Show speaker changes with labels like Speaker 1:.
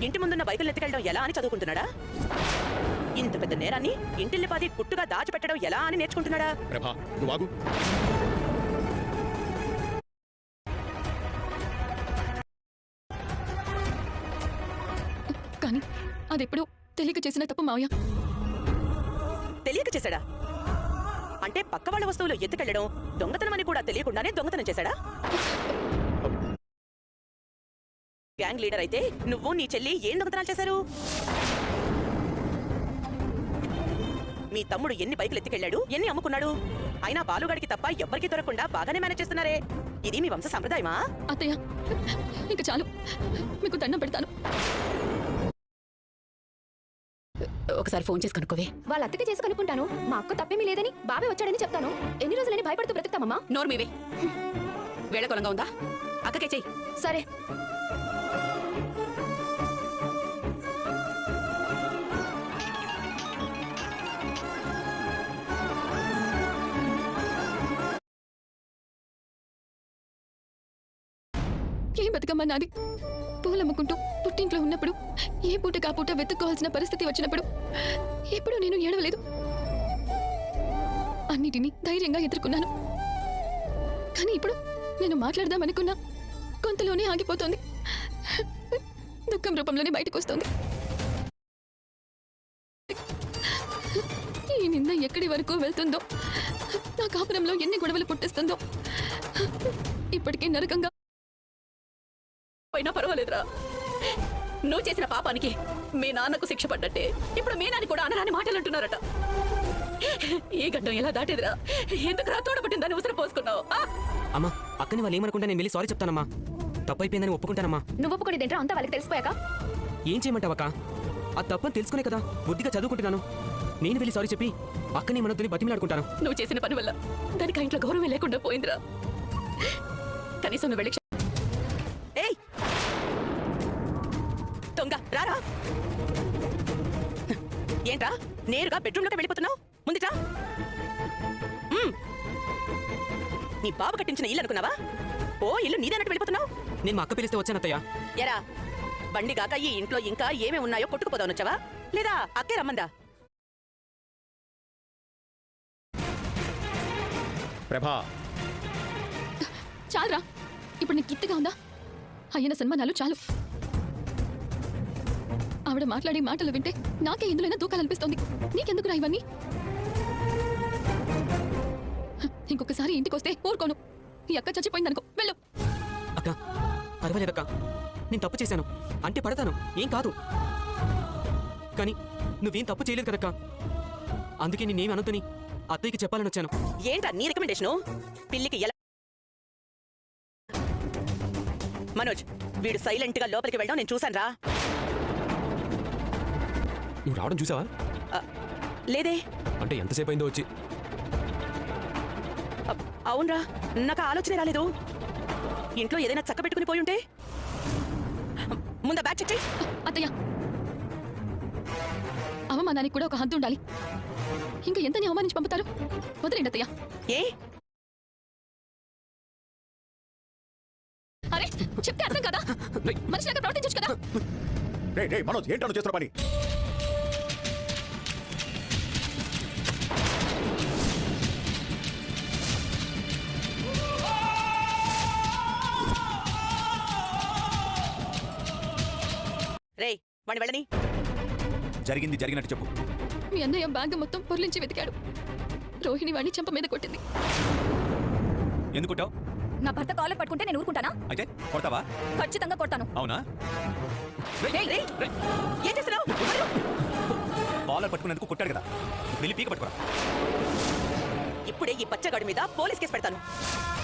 Speaker 1: ఇంటి ముందున్న బైకులు ఎత్తుకెళ్ళడం ఎలా అని చదువుకుంటున్నాడా? ఇంత పెద్ద నేరాన్ని ఇంటిల్లిపాది గుట్టుగా దాచిపెట్టడం ఎలా అని నేర్చుకుంటున్నాడా?
Speaker 2: ప్రభా, నువ్వు ఆగు.
Speaker 3: కానీ అదెప్పుడు తెలియక చేసిన తప్పు మావయ్య.
Speaker 1: తెలియక చేశాడా? అంటే పక్క వాళ్ళ వస్తువులు ఎత్తుకెళ్ళడం దొంగతనం అని కూడా తెలియకుండానే దొంగతనం చేశాడా? గ్యాంగ్ లీడర్ అయితే నువ్వు నీ చెల్లి ఏం దొంగతనాలు చేశారు? మీ తమ్ముడు ఎన్ని బైకులు ఎత్తుకెళ్ళాడు, ఎన్ని అమ్ముకున్నాడు? అయినా బాలుగాడికి తప్ప ఎవ్వరికీ దొరకకుండా బాగానే మేనేజ్ చేస్తున్నారే. ఇది మీ వంశ సంప్రదాయమా?
Speaker 3: అత్తయ్య, ఇంక చాలు, మీకు దండం పెడతాను.
Speaker 4: ఒకసారి ఫోన్ చేసి కనుక్కోవే.
Speaker 5: వాళ్ళ అత్తకి చేసి కనుక్కుంటాను. మా అక్క తప్పేమీ లేదని బాబే వచ్చాడని చెప్తాను. ఎన్ని రోజులని భయపడుతూ బ్రతుకుతామమ్మా?
Speaker 4: నోరు మీవే. వేళకొలంగా ఉందా? అక్కకే చెయ్యి.
Speaker 5: సరే.
Speaker 3: ఏం బతుకమ్మా నాది? పూలమ్ముకుంటూ పుట్టింట్లో ఉన్నప్పుడు ఏ పూట కాపూట వెతుక్కోవాల్సిన పరిస్థితి వచ్చినప్పుడు ఎప్పుడూ నేను ఏడవలేదు. అన్నిటినీ ధైర్యంగా ఎదుర్కొన్నాను. కానీ ఇప్పుడు నేను మాట్లాడదామనుకున్నా గొంతులోనే ఆగిపోతుంది. దుఃఖం రూపంలోనే బయటకు వస్తుంది. ఈ నింద ఎక్కడి వరకు వెళ్తుందో, నా కాపురంలో ఎన్ని గొడవలు పుట్టిస్తుందో. ఇప్పటికే నరకంగా
Speaker 4: అయినా పర్వాలేదురా. నువ్వు చేసిన పాపానికి మీ నాన్నకు శిక్ష పడ్డట్టే ఇప్పుడు మీ నాన్న కూడా అనరాని మాటలు అంటున్నారట. ఈ గడ్డం ఎలా దాటేదిరా? ఎందుకు తోడబట్టిందని ఉసిరి పోసుకున్నావు?
Speaker 6: అమ్మా, అక్కని వాళ్ళు ఏమనుకుంటా నేను వెళ్ళి సారీ చెప్తానమ్మా. తప్పైపోయిందని ఒప్పుకుంటానమ్మా.
Speaker 5: నువ్వు ఒప్పుకునేదేంట్రా? అంతా వాళ్ళకి తెలిసిపోయాక
Speaker 6: ఏం చేయమంటావక్క? ఆ తప్పని తెలుసుకునే కదా బుద్ధిగా చదువుకుంటున్నాను. నేను వెళ్ళి సారీ చెప్పి అక్కని మనతో బతిమిలాడుకుంటాను.
Speaker 4: నువ్వు చేసిన పని వల్ల దానికి ఇంట్లో గౌరవం లేకుండా పోయిందిరా. కనీసం నువ్వు వెళ్ళి
Speaker 1: ఏయ్ దొంగ రారా! ఏంట్రా నేరుగా బెడ్రూమ్లోకి వెళ్ళిపోతున్నావు? ముందుట్రా. నీ బాబు కట్టించిన ఇల్లు అనుకున్నావా? ఓ ఇల్లు నీదన్నట్టు వెళ్ళిపోతున్నావు.
Speaker 6: నేను మా అక్క పిలిస్తే వచ్చానత్తయ్య.
Speaker 1: ఎరా బండి గాక ఈ ఇంట్లో ఇంకా ఏమేమి ఉన్నాయో కొట్టుకుపోదావనొచ్చావా, లేదా అక్కే రమ్మందా?
Speaker 2: ప్రభా,
Speaker 3: చాలురా. ఇప్పుడు నీకు తృప్తిగా ఉందా? అయిన సన్మానాలు చాలు. ఆవిడ మాట్లాడే మాటలు వింటే నాకే ఎందులోనే దూకాలనిపిస్తోంది. నీకెందుకురా ఇవన్నీ? ఇంకొకసారి ఇంటికొస్తే ఊరుకోను. ఈ అక్క చచ్చిపోయిందనుకో, వెళ్ళు.
Speaker 6: అక్క పర్వాలేదక్క, నేను తప్పు చేశాను అంటే పడతాను, ఏం కాదు. కానీ నువ్వేం తప్పు చేయలేదు కదక్క. అందుకే నేనేమి అనుతని అత్తయ్యకి చెప్పాలని వచ్చాను.
Speaker 1: ఏంటా నీ రికమెండేషను? పిల్లికి ఎలా? మనోజ్, వీడు సైలెంట్ గా లోపలికి వెళ్ళడం నేను చూశాను రా.
Speaker 2: నువ్వు రావడం చూసావా?
Speaker 1: లేదే.
Speaker 2: అంటే ఎంతసేపు అయిందో వచ్చి?
Speaker 1: అవునరా, నాకు ఆలోచనే రాలేదు. ఇంట్లో ఏదైనా చక్క పెట్టుకుని పోయి ఉంటే. ముందా బ్యాగ్ చెక్ చెయ్యి.
Speaker 3: అత్తయ్య, అవమానానికి కూడా ఒక హద్దు ఉండాలి. ఇంకా ఎంతని అవమానించి పంపుతారు? వదిలేండి అత్తయ్య.
Speaker 1: ఏ
Speaker 3: అరే చెప్తే అర్థం కదా? మనిషిలాగా ప్రవర్తించొచ్చు కదా?
Speaker 2: మనోజ్, ఏంటో చేస్తున్న పని?
Speaker 1: రేయ్ వాడిని వెళ్ళని.
Speaker 2: జరిగింది జరిగినట్టు చెప్పు.
Speaker 3: మీ అన్నయ్య బ్యాగ్ మొత్తం పొర్లించి వెతికాడు. రోహిణి వాడిని చెంప మీద కొట్టింది.
Speaker 2: ఎందుకుంటావు?
Speaker 5: నా భర్త కాలర్ పట్టుకుంటే నేను ఊరుకుంటానా?
Speaker 2: అయితే కొడతావా?
Speaker 5: ఖచ్చితంగా కొడతాను.
Speaker 2: అవునా?
Speaker 1: ఏం చేస్తున్నావు?
Speaker 2: కాలర్ పట్టుకునేందుకు కొట్టాడు కదా, వెళ్ళి పీక పట్టుకురా.
Speaker 1: ఇప్పుడే ఈ బచ్చగాడి మీద పోలీస్ కేసు పెడతాను.